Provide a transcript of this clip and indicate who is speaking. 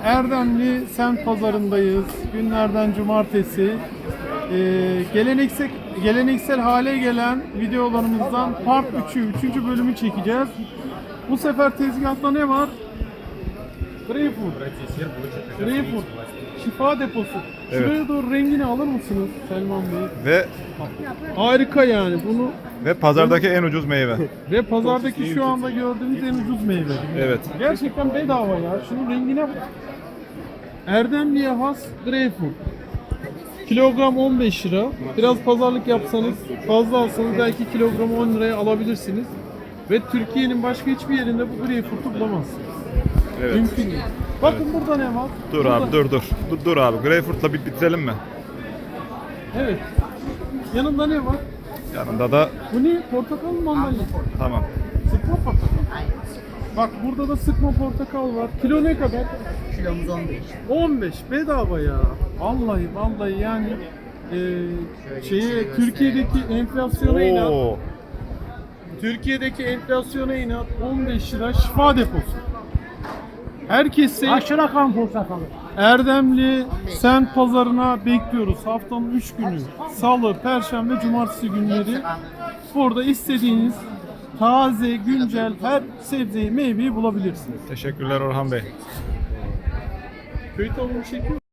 Speaker 1: Erdemli semt pazarındayız. Günlerden cumartesi. Geleneksel hale gelen videolarımızdan part 3. 3. bölümü çekeceğiz. Bu sefer tezgahta ne var? Greyfurt. Şifa deposu.
Speaker 2: Evet.
Speaker 1: Şuraya doğru rengini alır mısınız Selman Bey?
Speaker 2: Ve
Speaker 1: Harika yani bunu.
Speaker 2: pazardaki en ucuz meyve.
Speaker 1: Ve pazardaki şu anda gördüğünüz en ucuz meyve.
Speaker 2: Evet.
Speaker 1: Gerçekten bedava ya. Şunun rengine bak. Erdemli'ye has greyfurt. Kilogram 15 lira. Biraz pazarlık yapsanız, fazla alsanız belki kilogramı 10 liraya alabilirsiniz. Ve Türkiye'nin başka hiçbir yerinde bu greyfurtu bulamazsınız.
Speaker 2: Evet.
Speaker 1: Mümkün değil. Bakın burada ne var?
Speaker 2: Dur
Speaker 1: Burada-
Speaker 2: abi dur abi. Greyfurt'la bitirelim mi?
Speaker 1: Evet. Yanında ne var?
Speaker 2: Yanında da
Speaker 1: Bu ne? Portakal mı mandalina?
Speaker 2: tamam.
Speaker 1: Sıkma portakal. Bak burada da sıkma portakal var. Kilo ne kadar?
Speaker 3: Kilomuz 15.
Speaker 1: 15 bedava ya. Vallahi yani Türkiye'deki enflasyona inat.
Speaker 2: Oo.
Speaker 1: Türkiye'deki enflasyona inat 15 lira şifa deposu. Herkesi
Speaker 3: Aşırı kan portakalı.
Speaker 1: Erdemli semt pazarına bekliyoruz. Haftanın 3 günü. Salı, Perşembe, Cumartesi günleri. Burada istediğiniz taze, güncel her sebzeyi, meyveyi bulabilirsiniz.
Speaker 2: Teşekkürler Orhan Bey.
Speaker 1: Köy tavuğu çekiyor.